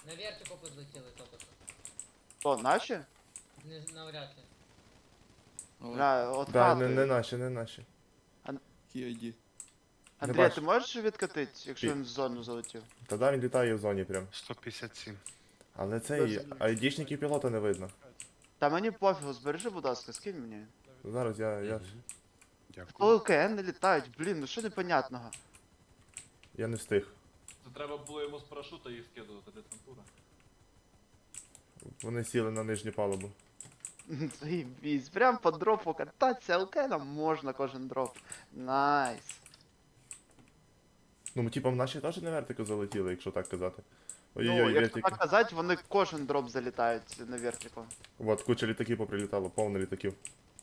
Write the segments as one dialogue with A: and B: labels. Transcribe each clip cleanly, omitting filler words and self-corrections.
A: На вертику подлетіли тільки що.
B: То, наші?
A: Не навряд чи.
B: Бля, от
C: Да,
B: хати.
C: не наші, не наші.
D: Кіайді.
B: Андрій,
C: бачу.
B: ти можеш відкатити, якщо він в зону залетів?
C: Та да, він літає в зоні прям.
E: 157.
C: Але цей
B: Без-
C: айдішників пілота не видно.
B: Та мені пофігу, збережи, будь ласка, скинь мені.
C: Зараз я
E: Дякую.
B: ЛКН не літають, блін, ну що непонятного?
C: не встиг.
F: Це треба було йому з парашута їх скидувати, десантура.
C: Вони сіли на нижню палубу.
B: Заєбісь, прям по дропу кататися, ЛКНом можна кожен дроп. Найс.
C: Ну, типа, наші теж на вертику залетіли, якщо так казати.
B: Ну,
C: Ой-ой-ой,
B: якщо
C: вертики.
B: так казати, вони кожен дроп залітають на вертику.
C: От, куча літаків поприлітало, повно літаків.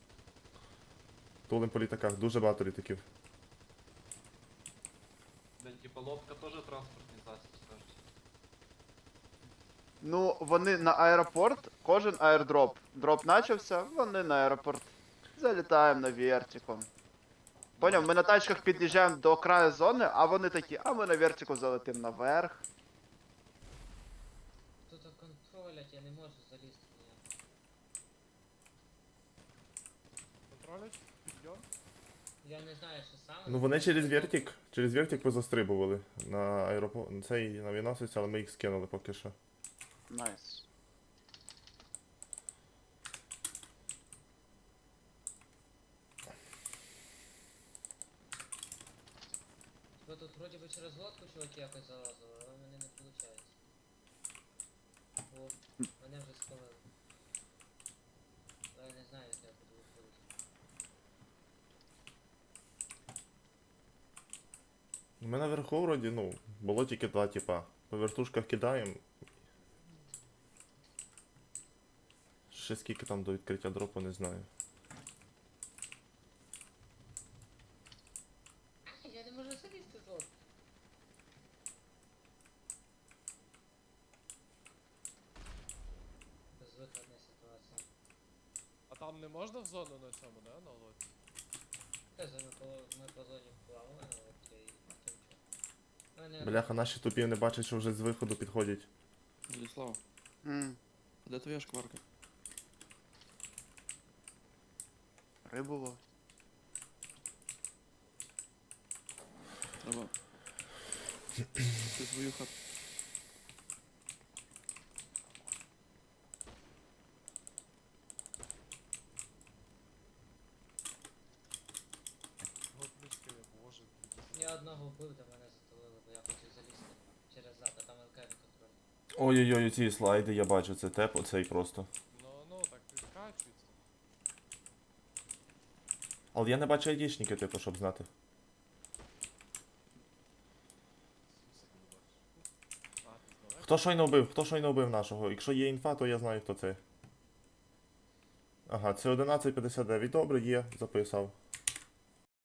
C: Тулим по літаках, дуже багато літаків.
F: День типа лодка теж транспортний засіб, скажуть.
B: Ну, вони на аеропорт, кожен аердроп. Дроп начався, вони на аеропорт. Залітаємо на вертику. Поняв, ми на тачках під'їжджаємо до краю зони, а вони такі, а ми на вертику залетимо наверх.
A: Тут контролять, я не можу залізти ніяк.
G: Контролять? Підйом?
A: Я не знаю, що саме.
C: Ну вони через вертик позастрибували на аеропорт, цей на авіаносець, але ми їх скинули поки що.
B: Найс.
A: Бо тут вроді би через лодку чуваки якось залазили, але в мене не виходить. О, мене вже спалили. Але я не знаю, як я буду виходити.
C: Ми наверху вроді, ну, було тільки два типа. По вертушках кидаємо. Ще скільки там до відкриття дропу, не знаю.
A: Я не можу залізти з лодки. Безвиходна ситуація.
G: А там не можна в зону на цьому, да? На лодці?
A: Ми по зоні плавали на лодці і тим чого. Мене
C: Бляха, наші тупі не бачать, що вже з виходу підходять.
D: Владислав,
B: М,
D: а де твоя шкварка?
B: рибово.
D: Треба. Ти свою хату.
G: Годнички, боже.
A: Я одного вбив, до мене затулили, бо я хотів залізти через зад, а там ЛК не контроль.
C: Ой-ой-ой, ці слайди я бачу, це теп, оцей просто.
G: Ну, так підкачується.
C: Але я не бачу айдішники, типу, щоб знати.
G: А, ти здалека?
C: Хто щойно вбив нашого? Якщо є інфа, то я знаю, хто це. Ага, це 1159, добре, є, записав.